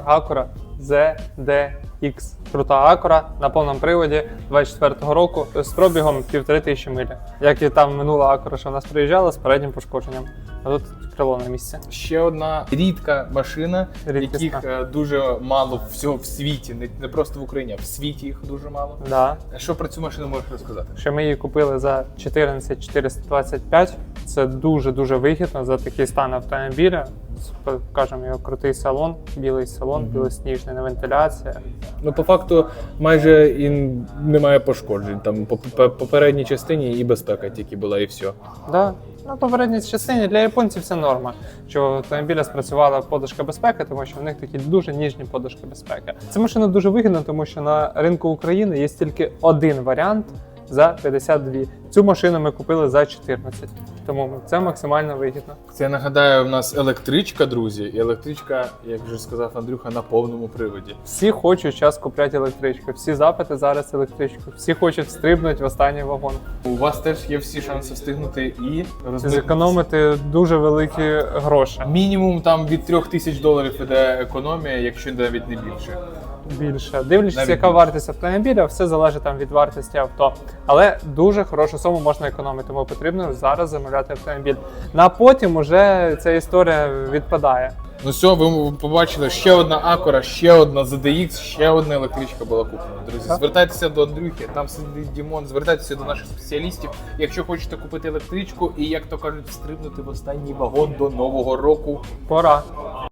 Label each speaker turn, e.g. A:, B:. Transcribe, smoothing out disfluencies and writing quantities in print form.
A: Acura ZDX. Крута Acura на повному приводі 24-го року з пробігом 1500 миль. Як і там минула Acura, що в нас приїжджала з переднім пошкодженням. А тут крило на місці.
B: Ще одна рідка машина,
A: Рідкісна.
B: яких дуже мало всього в світі, не просто в Україні, а в світі їх дуже мало.
A: Да.
B: Що про цю машину можеш розказати?
A: Що ми її купили за 14 425. Це дуже-дуже вигідно за такий стан автомобіля. Кажемо, його крутий салон, білий салон, білосніжний, на вентиляція.
B: Ну, по факту, майже і немає пошкоджень. Там по попередній частині і безпека тільки була, і все.
A: Да. Ну, попередній частині для японців це норма, що в автомобіля спрацювала подушка безпеки, тому що в них такі дуже ніжні подушки безпеки. Ця машина дуже вигідна, тому що на ринку України є тільки один варіант за 52. Цю машину ми купили за 14, тому це максимально вигідно.
B: Це, я нагадаю, у нас електричка, друзі. І електричка, як вже сказав Андрюха, на повному приводі.
A: Всі хочуть зараз купляти електричку, всі запити зараз електричку, всі хочуть стрибнути в останній вагон.
B: У вас теж є всі шанси встигнути і розмитнитися.
A: Зекономити дуже великі гроші.
B: Мінімум там від $3000 іде економія, якщо навіть не більше.
A: Більше. Дивлячись,
B: Навіть
A: яка
B: більше.
A: вартість автомобіля, все залежить там від вартості авто. Але дуже хорошу суму можна економити, тому потрібно зараз замовляти автомобіль. На потім уже ця історія відпадає.
B: Ну все, ви побачили, ще одна Acura, ще одна ZDX, ще одна електричка була куплена. Друзі,
A: Так.
B: звертайтеся до Андрюхи, там сидить Дімон, звертайтеся до наших спеціалістів, якщо хочете купити електричку і, як то кажуть, стрибнути в останній вагон до Нового року.
A: Пора.